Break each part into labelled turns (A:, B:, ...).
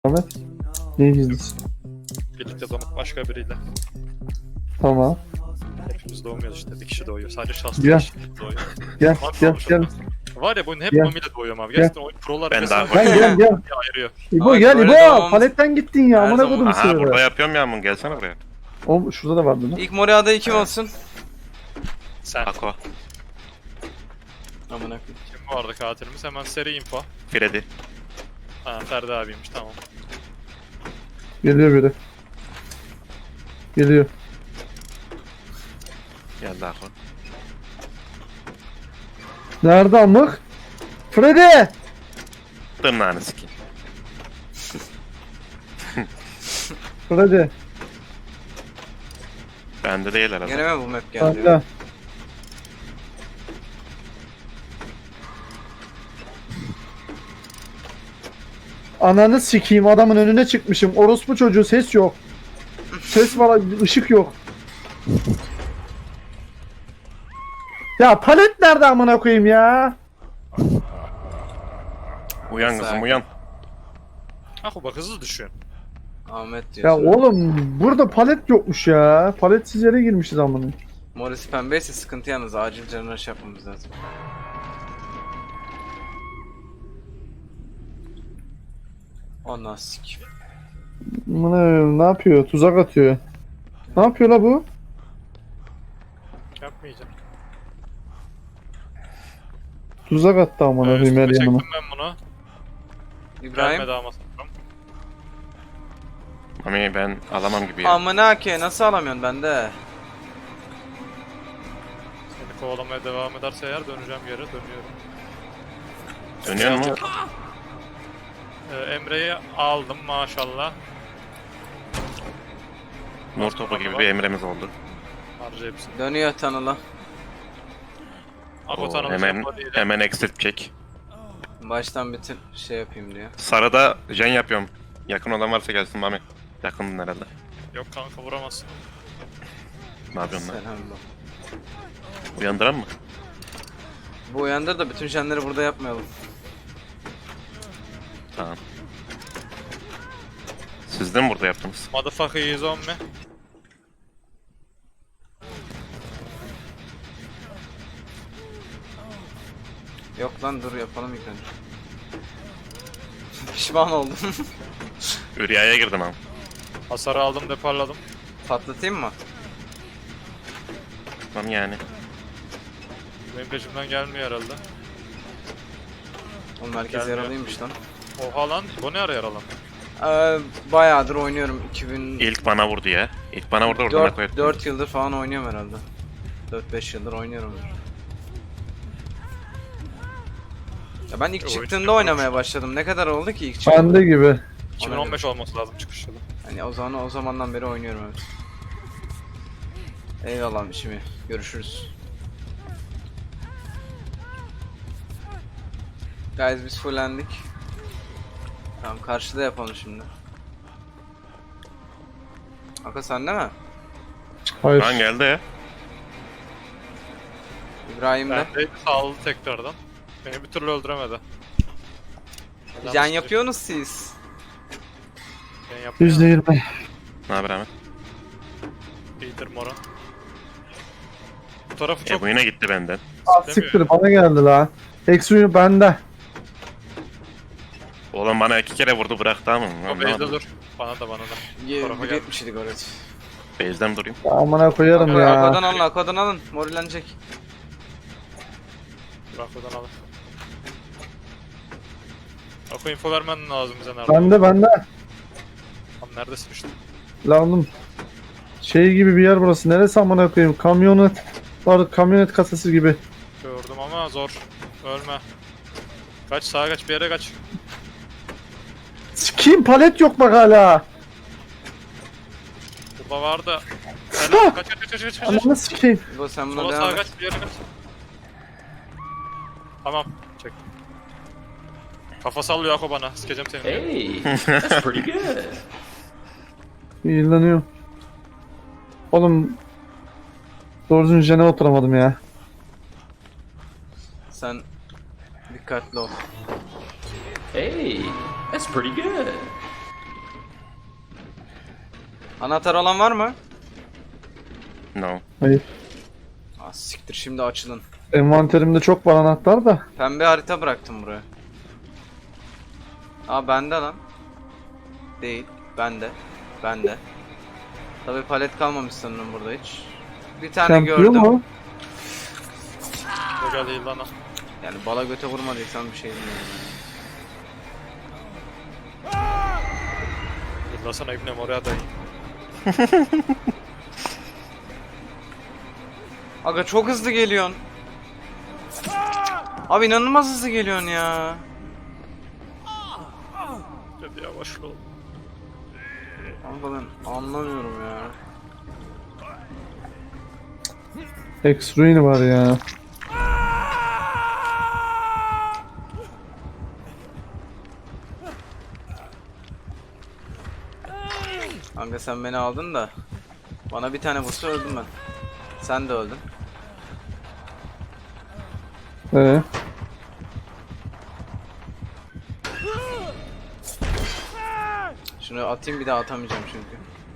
A: Ahmet. Neyi gizlisin?
B: Birlikte doğmak başka biriyle.
A: Tamam.
B: Hepimiz doğmuyoruz işte. Bir kişi doğuyor. Sadece şanslı
A: Gel.
B: bir kişi doğuyor.
A: Gel
B: Tamam,
A: gel
B: olmuş
A: gel.
B: olmaz. Var ya bunun hep
A: Gel.
B: Mami ile doğuyorum abi.
A: Gel.
B: Gerçekten oyun prolar
C: Ben
B: mesela
C: daha-
A: Gel gel.
B: ayırıyor.
A: İbo
D: Ahmet,
A: gel
D: böyle
A: İbo.
D: doğmamız-
A: Paletten gittin ya.
D: Her
A: Amına
D: zaman-
A: kodum
C: Aha burada
A: sığırı.
C: yapıyorum ya bunu, gelsene buraya.
A: O şurada da vardı lan.
D: İlk Mori adayı kim olsun?
B: Sen.
C: Ako,
D: Amına koyayım.
B: Kim vardı katilimiz? Hemen seri info.
C: Freddy.
B: Ha Ferdi abiymiş tamam.
A: Geliyor biri. Geliyor.
C: Geldi Ako.
A: Nerede amık? Freddy!
C: Tırnağını sikeyim.
A: Freddy.
C: Bende değil herhalde.
D: Gene mi bu map geldi?
A: Hala. Ananı sikeyim, adamın önüne çıkmışım. Orospu çocuğu, ses yok. Ses var, ışık yok. Ya palet nerede amına koyayım ya?
C: Uyan kızım
D: Sakin.
C: uyan.
B: Ah bak hızlı düşün.
D: Ahmet
A: Ya
D: diyorsun.
A: oğlum burada palet yokmuş ya. Paletsiz yere girmişiz amına.
D: Morisi pembeyse sıkıntı yalnız. Acil canına şey yapmamız lazım. Ondan sik.
A: Ne yapıyor? Tuzak atıyor. Ne yapıyor la bu?
B: Yapmayacağım.
A: Tuzak attı amına koyayım her
B: Üstüme
A: yanıma.
B: çektim ben bunu.
D: İbrahim.
B: Gelmedi ama sanırım.
C: Mami ben alamam gibi ya.
D: Amına ke nasıl alamıyorsun bende?
B: Seni kovalamaya devam ederse eğer döneceğim yere dönüyorum.
C: Dönüyor mu?
B: Emre'yi aldım maşallah.
C: Nur topu gibi bir emremiz oldu.
B: Harca hepsini.
D: Dönüyor tanıla.
B: Ako
C: Oo,
B: tanımız
C: hemen
B: yapma değil.
C: hemen exit çek.
D: Baştan bitir şey yapayım diyor.
C: Sarıda jen yapıyorum. Yakın olan varsa gelsin Mami. Yakındın herhalde.
B: Yok kanka vuramazsın.
C: Ne yapıyorsun lan?
D: Selam bak.
C: Uyandıran mı?
D: Bu uyandır da bütün jenleri burada yapmayalım.
C: Tamam. Siz de mi burada yaptınız?
B: Motherfucker is on me.
D: Yok lan dur yapalım ilk önce. Pişman oldum.
C: Üryaya girdim abi.
B: Hasarı aldım deparladım.
D: Patlatayım mı?
C: Tamam yani.
B: Benim peşimden gelmiyor herhalde.
D: Oğlum herkes
B: Gelmiyor.
D: yaralıymış lan.
B: Oha lan bu ne ara yaralı?
D: Bayağıdır oynuyorum. 2004
C: İlk bana vurdu ya. İlk bana vurdu oradan koydu.
D: 4 yıldır falan oynuyorum herhalde. 4-5 yıldır oynuyorum. Ya ben ilk
B: Oyun
D: çıktığında
B: çıkıyor.
D: oynamaya başladım. Ne kadar oldu ki ilk çıktığında?
A: Bende gibi.
B: 2015 olması lazım çıkış yılı.
D: Hani o zamandan beri oynuyorum evet. Eyvallah şimdi. Görüşürüz. Guys biz fullendik. Tamam karşıda yapalım şimdi. Aka sende mi?
A: Hayır.
C: Lan geldi ya.
D: İbrahim de.
B: Ben de sağladı tekrardan. Beni bir türlü öldüremedi.
D: Can yapıyorsunuz siz.
B: Ben yapıyorum.
A: %20.
C: Ne haber Ahmet?
B: İyidir mora. Bu tarafı çok
C: Bu yine gitti benden.
A: Ah siktir bana geldi la. Eksi bende.
C: Oğlum bana 2 kere vurdu bıraktı ama.
B: o base'de dur. Bana da. Tarafa gel.
D: 1.70 idik orası.
C: Base'den durayım.
A: Amına koyarım
D: Arkadan
A: ya.
D: alın, arkadan alın. Morilenecek.
B: Bırak oradan alın. Ako info vermen lazım bize nerede?
A: Bende.
B: Tam neredesin işte?
A: La oğlum. Şey gibi bir yer burası. Neresi amına koyayım? Kamyonet. Var kamyonet kasası gibi.
B: Gördüm ama zor. Ölme. Kaç sağa kaç bir yere kaç.
A: Sikeyim palet yok bak hala.
B: Burada vardı. Helal. Kaç.
A: Ananı sikeyim.
D: Bu sen buna
B: Sola
D: devam
B: sağa
D: et.
B: kaç bir yere kaç. Tamam. Çek. Kafa sallıyor Ako bana. Sikeceğim seni.
E: Hey, that's pretty good.
A: İyilanıyor. Oğlum. Doğru düzgün jene oturamadım ya.
D: Sen dikkatli ol.
E: Hey, that's pretty good.
D: Anahtar olan var mı?
C: No.
A: Hayır.
D: Ah siktir, şimdi açılın.
A: Envanterimde çok var anahtar da.
D: Pembe harita bıraktım buraya. Aa bende lan. Değil. Bende. Bende. Tabii palet kalmamış sanırım burada hiç. Bir tane
A: Kampiyon
D: gördüm.
A: mu?
B: Bu geldi lan o.
D: Yani bala göte vurmadıysan bir şey bilmiyorum.
B: Yıllasana İbnem oraya dayı.
D: Aga çok hızlı geliyorsun. Abi inanılmaz hızlı geliyorsun ya.
B: Hadi yavaş ol.
D: Kanka ben anlamıyorum ya.
A: X-Ruin var ya.
D: Kanka sen beni aldın da. Bana bir tane vursa öldüm ben. Sen de öldün.
A: Ee,
D: Şunu atayım, bir daha atamayacağım çünkü.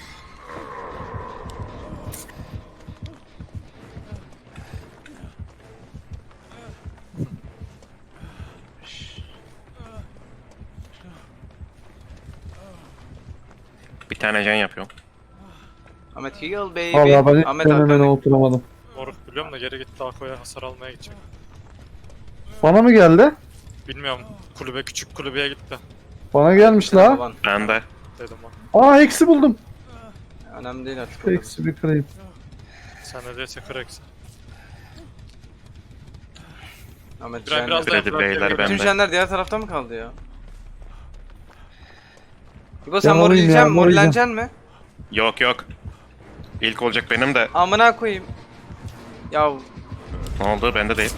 C: Bir tane can yapıyorum.
D: Ahmet heal baby.
A: Valla ben hiç
D: Ahmet
A: denemene
D: arkana.
A: oturamadım.
B: Moruk biliyorum da geri gitti Ako'ya hasar almaya gidecek.
A: Bana mı geldi?
B: Bilmiyorum kulübe küçük kulübeye gitti
A: Bana gelmiş la.
D: Baban.
C: Ben de.
B: dedim ben.
A: Aa eksi buldum.
D: Önemli değil artık. o kadar.
A: Eksi bir kırayım.
B: Sen ne değilse kıraksın.
D: Ahmet
B: Biraz
D: jenler.
B: daha
C: Kredi beyler
D: Bütün
C: bende.
D: jenler diğer tarafta mı kaldı ya? İbo sen
A: Ben alayım ya,
D: morlayacaksun, morleneceksin mi?
C: Yok yok. İlk olacak benim de.
D: Amına koyayım. Ya
C: Ne oldu? Bende değil.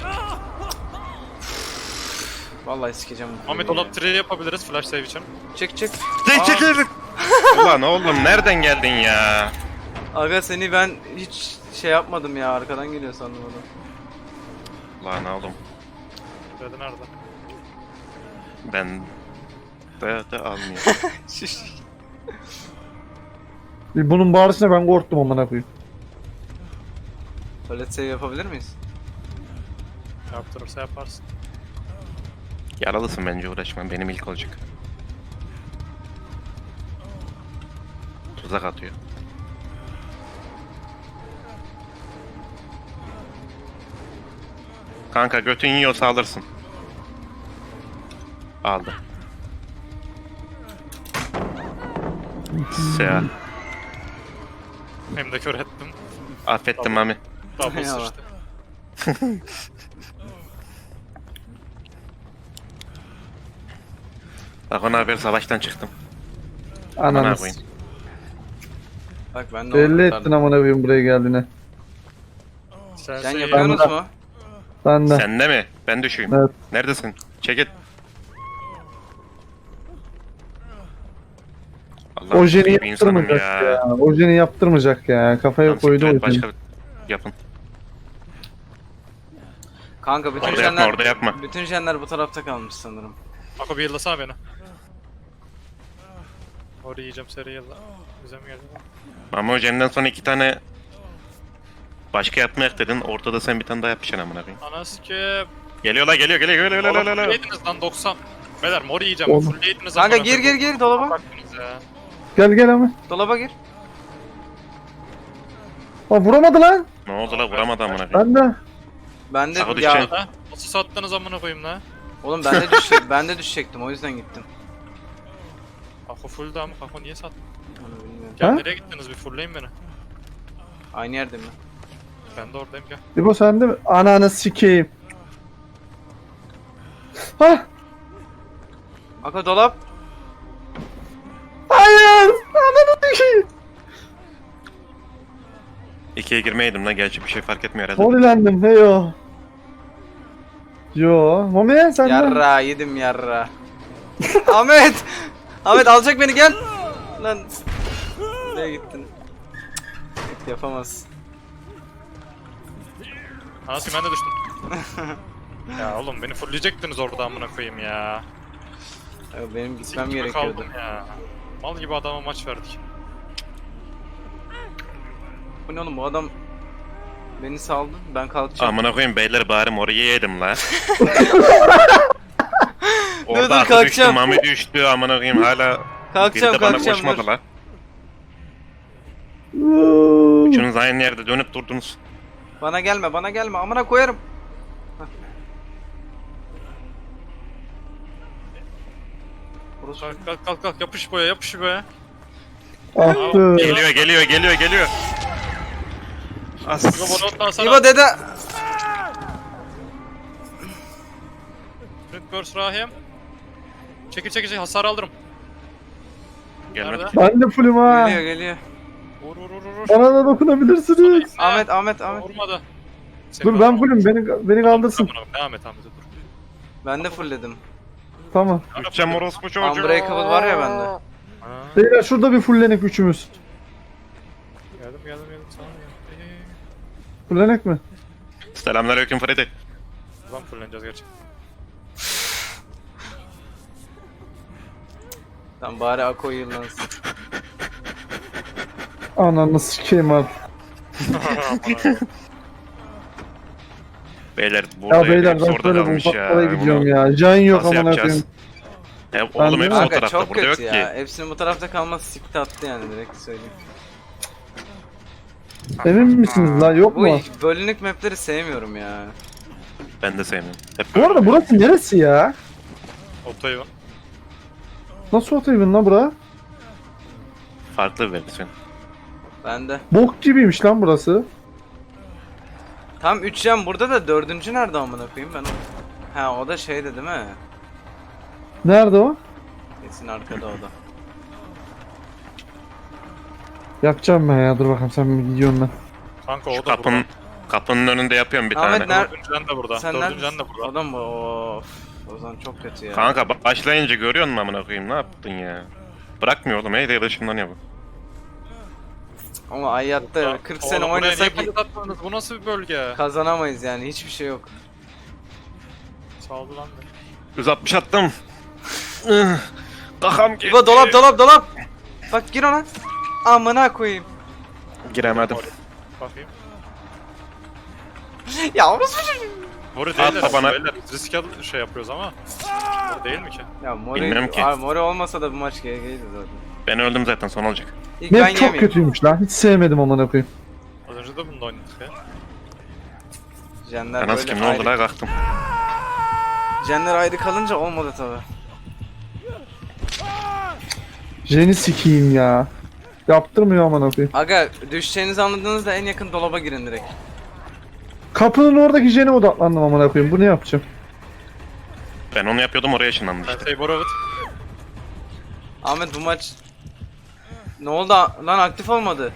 D: vallahi sikeceğim. bu
B: Ahmet
D: videoyu.
B: dolap tray yapabiliriz flash save için.
D: Çık çık.
C: Çekil. Ulan oğlum nereden geldin ya?
D: Aga seni ben hiç şey yapmadım ya, arkadan geliyor sandım onu.
C: Ulan oğlum.
B: Dedi nerede?
C: Ben de almıyor.
A: Bunun bağırışına ben korktum amına koyayım.
D: Palet save yapabilir miyiz?
B: Yaptırırsa yaparsın.
C: Yaralısın bence uğraşma. Benim ilk olacak. Tuzak atıyor. Kanka götün yiyorsa alırsın. Aldı. Seha.
B: Hem de kör ettim.
C: Affettim
B: Tamam.
C: Mami.
B: Double
D: Eyvallah.
B: sıçtı.
C: Bak ona haber savaştan çıktım. Amına
A: Ananı
C: koyayım.
D: Bak ben de
A: belli
D: onu
A: ettin
D: kurtardım.
A: amına koyayım buraya geldiğine.
B: Sen
D: Sen
B: şey
D: yapıyorsunuz
A: Ben de-
D: mu?
A: Ben de.
C: Sen de mi? Ben düşeyim.
A: Evet.
C: Neredesin? Çekil. Allah
A: Ojeni
C: bir insanım
A: yaptırmayacak ya. Ojeni yaptırmayacak ya. Kafaya
C: Tamam,
A: koydu
C: siktir et,
A: ojeni.
C: başka yapın.
D: Kanka bütün
C: Orada yapma,
D: jenler
C: orada yapma.
D: bütün jenler bu tarafta kalmış sanırım.
B: Ako bir yıllasana beni. Orayı yiyeceğim seri yılla. Bize mi geldi lan?
C: Ama Ojeni'den sonra 2 tane başka yapmayak dedin. Ortada sen bir tane daha yapacaksın amına koyayım.
B: Anası ki.
C: Geliyor la geliyor.
B: Oğlum full yediniz lan 90. Beyler mor yiyeceğim.
A: Oğlum.
B: Full yediniz.
D: Kanka
B: amına
D: gir
B: koyayım.
D: gir gir dolaba.
B: Baktınız ya.
A: Gel ama.
D: Dolaba gir.
A: Aa vuramadı lan.
C: Ne oldu la vuramadı amına koyayım.
A: Ben de.
D: Ben de
C: Sağa
D: ya
C: düşeceksin.
B: Ha? Nasıl sattınız amına koyayım la?
D: oğlum ben de düşecek ben de düşecektim, o yüzden gittim.
B: Ako full da mı? Ako niye sattın?
D: Onu bilmiyorum.
B: Gel
A: Ha?
B: nereye gittiniz bir fullleyin beni.
D: Aynı yerde mi?
B: Ben de oradayım gel.
A: İbo sende mi? Ananı sikeyim. Hah.
D: Aka dolap.
A: Hayır. Ananı sikeyim.
C: 2'ye girmeydim lan. Gerçi bir şey fark etmiyor herhalde.
A: Holilendim. Heyo. Yo. Mami sen de.
D: Yarra yedim yarra. Ahmet! Ahmet alacak beni, gel. Lan. Nereye gittin? Yapamaz.
B: Anası ben de düştüm. Ya oğlum beni fullleyecektiniz orada amına koyayım ya.
D: Ya benim gitmem
B: Sikime
D: gerekiyordu.
B: kaldım ya. Mal gibi adama maç verdik.
D: Bu ne oğlum, bu adam beni saldı. Ben kalkacağım.
C: Amına koyayım beyler bari orayı yedim la.
D: Dur,
C: Orada aklı düştü,
D: kalkacağım.
C: Mami düştü amına koyayım hala.
D: Kalkacağım,
C: biri de bana
D: kalkacağım,
C: koşmadı
D: dur.
C: la. Üçünüz aynı yerde dönüp durdunuz.
D: Bana gelme, bana gelme. Amına koyarım. Hah. Burası
B: Kalk yapış boya yapış boya.
A: Attı.
C: Geliyor. As.
B: İbo bana sana.
D: İbo dede.
B: Sprint Burst Rahim. Çekil hasar alırım.
C: Gelmedi.
B: Nerede?
A: Ben de fullüm ha.
D: Geliyor.
B: Vur.
A: Bana da dokunabilirsiniz.
D: Ahmet.
B: Vurmadı.
A: Dur ben fullüm. Beni kaldırsın.
B: Devam et dur.
D: Ben de fullledim.
A: Tamam.
C: Üçem orospu çocuğu.
D: Unbreakable var ya bende.
B: Ha,
A: Beyler şurada bir fullenek üçümüz.
B: geldim sana gel.
A: Fullenek mi?
C: Selamünaleyküm Freddy.
B: Ulan fulleneceğiz gerçekten.
D: Tamam bari Ako yıllansın.
A: Ananı sikeyim abi.
C: Beyler burada
A: Ya beyler
C: hepsi
A: ben
C: orada
A: böyle bu
C: kalmış
A: ufaklara
C: ya.
A: gidiyorum
C: Bunu
A: ya. Can yok
C: nasıl
A: amına
C: yapacağız?
A: koyayım.
C: Oğlum
A: Ben
C: hepsi
A: de-
C: o
D: Kanka
C: tarafta
D: çok
C: burada yok
D: kötü
C: ki.
D: ya. Hepsinin bu tarafta kalması sikti attı yani, direkt söyleyeyim.
A: Emin misiniz la yok
D: Bu
A: mu?
D: bölünük mapleri sevmiyorum ya.
C: Ben de sevmiyorum. Hep
A: Bu arada burası neresi ya?
B: Otoyu var.
A: Nasıl otoyibin la bura?
C: farklı bir versiyon.
D: Ben de.
A: Bok gibiymiş lan burası.
D: Tam 3 yan burada da 4. nerede amına koyayım ben? Ha o da şeyde değil mi?
A: Nerede o?
D: Kesin arkada o da.
A: Yapacağım ben ya dur bakalım sen bir gidiyorum ben.
B: Kanka o
C: Şu
B: da
C: kapının önünde yapıyorum bir
D: Ahmet,
C: tane.
D: nerede?
B: Dördüncüden de burada.
D: Sen
B: Dördüncüden de
D: neredesin?
B: burada.
D: Adam mı? Of. O zaman çok kötü ya.
C: Kanka başlayınca görüyor musun amına koyayım ne yaptın ya? Bırakmıyor oğlum hey de ışınlanıyor bu.
D: Ama hayatta 40 sene
B: Oğlum buraya
D: oynasak
B: niye paket atmadınız? Bu nasıl bir bölge?
D: kazanamayız yani, hiçbir şey yok.
B: Saldı lan beni.
C: 160 attım. Kakam gitti.
D: İbo dolap. Bak gir ona. Amına koyayım.
C: Giremedim.
B: Bakayım.
D: Ya orası çocuğu.
B: Mori değil
C: Atla bana.
B: Beyler risk şey yapıyoruz ama. Mori değil mi ki?
D: Ya Mori,
C: Bilmiyorum ki.
D: Abi Mori olmasa da bu maç GG'ydi zaten.
C: Ben öldüm zaten son olacak.
D: İlk ben
A: Map çok
D: yemeyeyim.
A: kötüymüş lan. Hiç sevmedim amına koyayım.
B: Az önce de bunda oynadık ya.
D: Jenler
C: Ben nasıl
D: böyle
C: kim ne oldu
D: ayrı-
C: la kalktım.
D: Jenler ayrı kalınca olmadı tabi.
A: Jen'i sikeyim ya. Yaptırmıyor amına koyayım.
D: Aga düşeceğinizi anladığınızda en yakın dolaba girin direkt.
A: Kapının oradaki Jen'e odaklandım amına koyayım. Bu ne yapacağım?
C: Ben onu yapıyordum oraya ışınlandı
B: Ben
C: işte.
B: şey Boravit.
D: Ahmet bu maç... Ne oldu lan, aktif olmadı.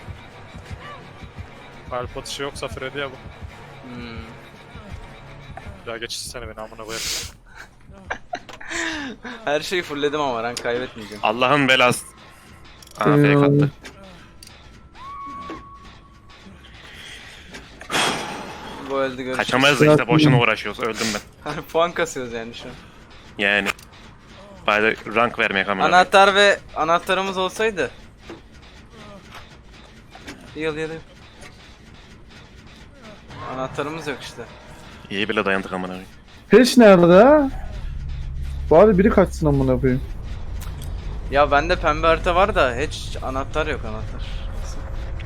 B: Kalp atışı yoksa Freddy ya bu.
D: Hmm.
B: Ya geçişsene beni amına koyarım.
D: Her şeyi fullledim ama rank kaybetmeyeceğim.
C: Allah'ın belası. Aa fake attı.
D: Bu öldü, görüşürüz.
C: Kaçamayız da işte boşuna uğraşıyoruz öldüm ben.
D: Puan kasıyoruz yani şu an.
C: Yani. Bari rank vermeye kamera.
D: Anahtar ve anahtarımız olsaydı. Yıl. Anahtarımız yok işte.
C: İyi bile dayandık amına koyayım.
A: Peş nerede ha? Bari biri kaçsın amına koyayım.
D: Ya bende pembe harita var da hiç anahtar yok, anahtar. Nasıl?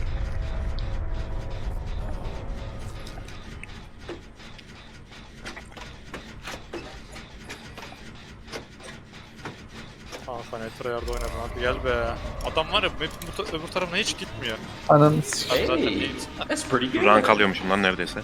B: Kanka Netrayar'da oynadım hadi gel be. Adam var ya map'in öbür tarafına hiç gitmiyor.
A: Ananı sikeyim.
B: Zaten
E: Hey,
B: değil.
E: that's pretty good.
C: Rank alıyormuşum lan neredeyse.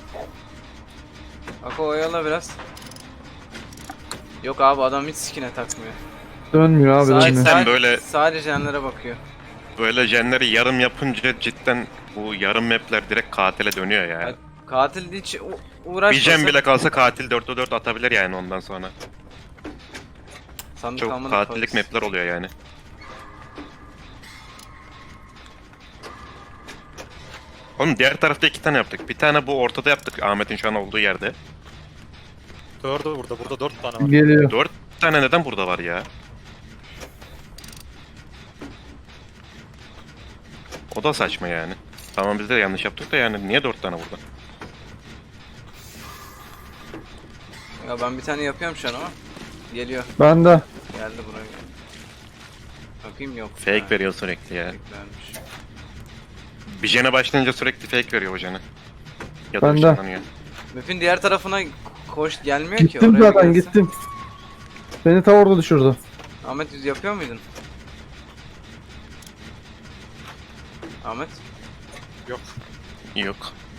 D: Ako oyala biraz. Yok abi, adam hiç skin'e takmıyor.
A: Dönmüyor abi
D: Sadece,
A: dönmüyor.
C: Sen böyle-
D: sadece jenlere bakıyor.
C: Böyle jenleri yarım yapınca cidden bu yarım mapler direkt katile dönüyor ya.
D: Ya, katil hiç
C: Bir
D: uğraşmasa
C: jen bile kalsa katil 4'te 4 atabilir yani ondan sonra.
D: sandık
C: Çok
D: almanın
C: katillik
D: parası.
C: mapler oluyor yani. Oğlum diğer tarafta 2 tane yaptık. Bir tane bu ortada yaptık Ahmet'in şu an olduğu yerde.
B: Dördü burada. Burada 4 tane var.
A: Geliyor.
C: 4 tane neden burada var ya? O da saçma yani. Tamam biz de yanlış yaptık da yani niye 4 tane burada?
D: Ya ben bir tane yapıyorum şu an ama. Geliyor.
A: Ben de.
D: Geldi buraya. Bakayım yok.
C: Fake
D: Ha,
C: veriyor sürekli ya.
D: fake vermiş.
C: Bir jene başlayınca sürekli fake veriyor o jene. Ya da
A: Ben de.
C: ışınlanıyor.
D: Map'in diğer tarafına koş gelmiyor ki.
A: Gittim
D: Oraya bir
A: zaten
D: gelsin.
A: gittim. Beni ta orada düşürdü.
D: Ahmet yüz yapıyor muydun? Ahmet?
B: Yok.
C: Yok.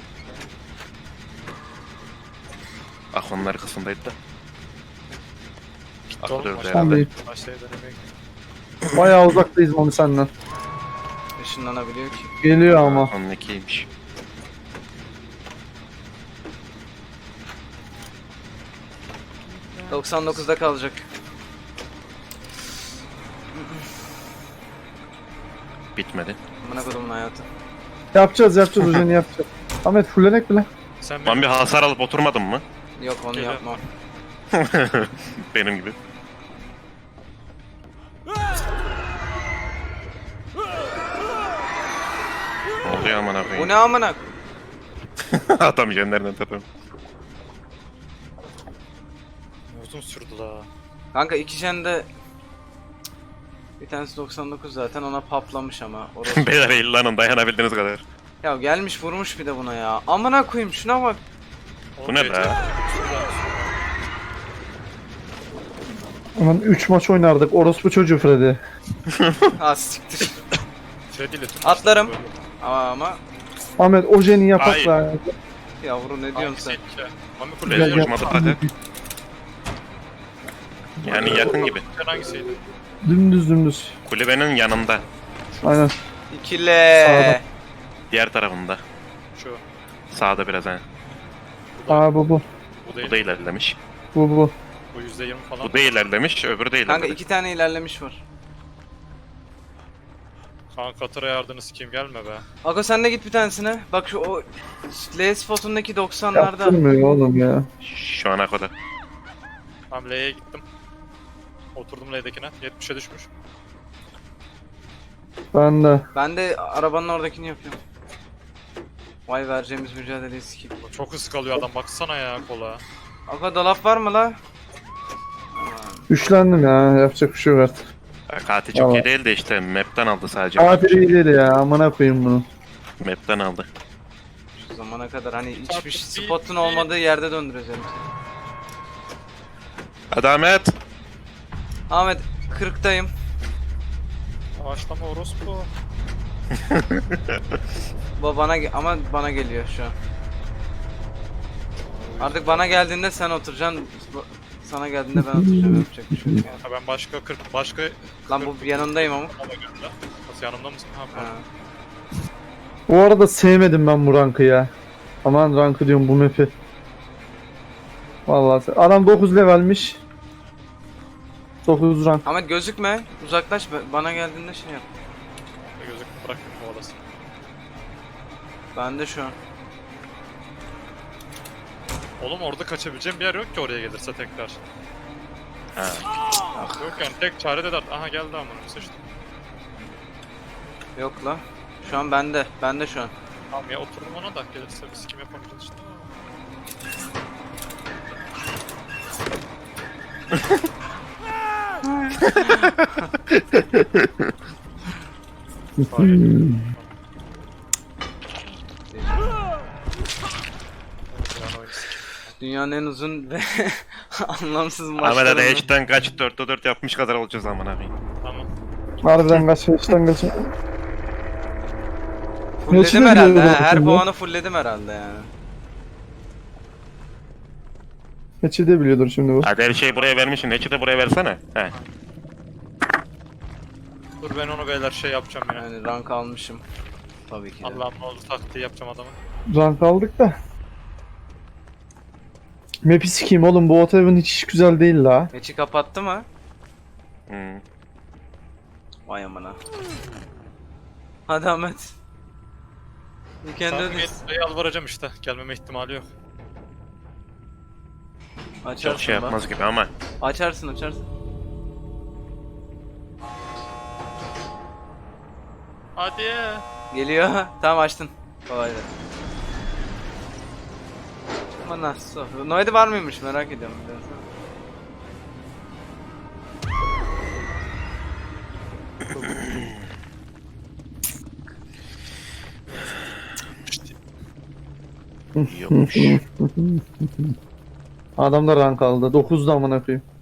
C: Ah onun arkasındaydı da.
B: Gitti
C: Aklı
B: oğlum.
C: dövdü
B: Başka
C: herhalde.
A: Abi
B: başka denemeye gitti.
A: bayağı uzaktayız onu senden.
D: Işınlanabiliyor ki.
A: Geliyor ama.
C: Onun ikiymiş.
D: ...99'da kalacak.
C: Bitmedi.
D: Amına kodumun hayatı.
A: Yapacağız Ujeni yapacağız. Ahmet fullenek bile.
B: Sen
C: Ben
B: benim
C: bir hasar alıp oturmadım mı?
D: Yok onu
B: Geliyor.
D: yapmam.
C: Benim gibi. Ne oluyor aman
D: Bu
C: koyayım?
D: ne amına?
C: Adam jenlerinden tepem.
B: uzun sürdü la.
D: Kanka iki jende... Bir tanesi 99 zaten ona paplamış ama. Orası...
C: Beyler eğilanın dayanabildiğiniz kadar.
D: Ya gelmiş vurmuş bir de buna ya. Amına koyayım şuna bak.
C: Bu ne be?
A: Aman 3 maç oynardık. Orospu çocuğu Freddy.
D: Ha siktir.
B: Freddy ile tüm
D: Atlarım.
B: böyle.
D: Ama
A: Ahmet Ojeni yapak
C: Hayır.
A: be.
D: yavru ne diyorsun sen?
B: Hangisiydi ki? Mami
A: Gel,
B: kuleye
A: gel.
C: Konuşmadı hadi. Yani yakın gibi.
B: Sen hangisiydi?
A: Dümdüz.
C: Kulübenin yanında.
A: Aynen.
D: İkile.
A: Sağda.
C: Diğer tarafında.
B: Şu.
C: Sağda biraz ha.
A: Aa bu.
B: Bu değil.
C: Bu da ilerlemiş.
A: Bu.
B: Bu %20 falan.
C: Bu da ilerlemiş, öbürü de
D: Kanka
C: ilerlemiş.
D: iki tane ilerlemiş var.
B: Kanka Katar'a yardını sikeyim gelme be.
D: Aga sen de git bir tanesine. Bak şu o L spotundaki 90'larda.
A: Yaptırmıyor oğlum ya.
C: Şu ana kadar.
B: Tamam L'ye gittim. Oturdum L'dekine. 70'e düşmüş.
A: Ben de.
D: Ben de arabanın oradakini yapıyorum. Vay vereceğimiz mücadeleyi sikeyim.
B: Çok hız kalıyor adam baksana ya kola.
D: Aga dolap var mı la?
A: Güçlendim ya. Yapacak bir şey yok artık.
C: Katil çok
A: Tamam.
C: iyi değil de işte map'ten aldı sadece.
A: Katil iyi değil ya. Amına koyayım bunu.
C: Map'ten aldı.
D: Şu zamana kadar hani hiçbir
B: Artık
D: spotun
B: bir-
D: olmadığı yerde döndüreceğim seni.
C: Hadi Ahmet.
D: Ahmet 40'tayım.
B: Ağaçlama orospu.
D: Bu bana ama bana geliyor şu an. Artık bana geldiğinde sen oturacaksın. Sana geldiğinde ben oturacağım, yapacak bir şey yok yani.
B: Ha ben başka
D: Lan bu yanındayım ama.
B: ama gönder. Nasıl yanımda mısın? Ha,
D: Ha.
B: pardon.
A: Bu arada sevmedim ben bu rankı ya. Aman rankı diyorum bu map'i. Vallahi adam 9 levelmiş. 9 rank.
D: Ahmet gözükme. Uzaklaş bana geldiğinde şey yap.
B: Gözükme bırak kovalasın.
D: Ben de şu an.
B: Oğlum orada kaçabileceğim bir yer yok ki oraya gelirse tekrar.
C: Ha.
B: Yok yani tek çare de aha geldi amına sıçtım.
D: Yok la. Şu an bende. Bende şu an.
B: Tamam ya oturdum ona da gelirse biz kim yapamayacağız işte.
D: Dünyanın en uzun ve anlamsız
C: Ahmet hadi
D: maçlarında.
C: H'den kaç 4'te 4 yapmış kadar olacağız aman abi.
B: Tamam.
A: Harbiden kaç yaştan kaç.
D: Fullledim
A: Geçini
D: herhalde.
A: biliyorum
D: He, her
A: şimdi.
D: puanı fullledim herhalde yani.
A: Geçi de biliyordur şimdi bu.
C: Hadi her şeyi buraya vermişsin. Neçi de buraya versene. He.
B: Dur ben onu beyler şey yapacağım yine.
D: Yani rank almışım. Tabii ki de.
B: Allah'ım ne olur taktiği yapacağım adamı.
A: Rank aldık da. Map'i sikeyim oğlum, bu Otav'ın hiç güzel değil la.
D: Geçi kapattı mı?
C: Hmm.
D: Vay amına. Hadi Ahmet. You can do
B: Tamam
D: this.
B: yalvaracağım işte. Gelmeme ihtimali yok.
D: Açarsın
C: Çok şey
D: bak.
C: yapmaz gibi ama.
D: Açarsın.
B: Hadi.
D: Geliyor. Tamam açtın. Kolay gelsin. Ama nasıl? Noedi var mıymış merak ediyorum biraz.
C: Yokmuş.
A: Adam da rank aldı. 9'da amına koyayım.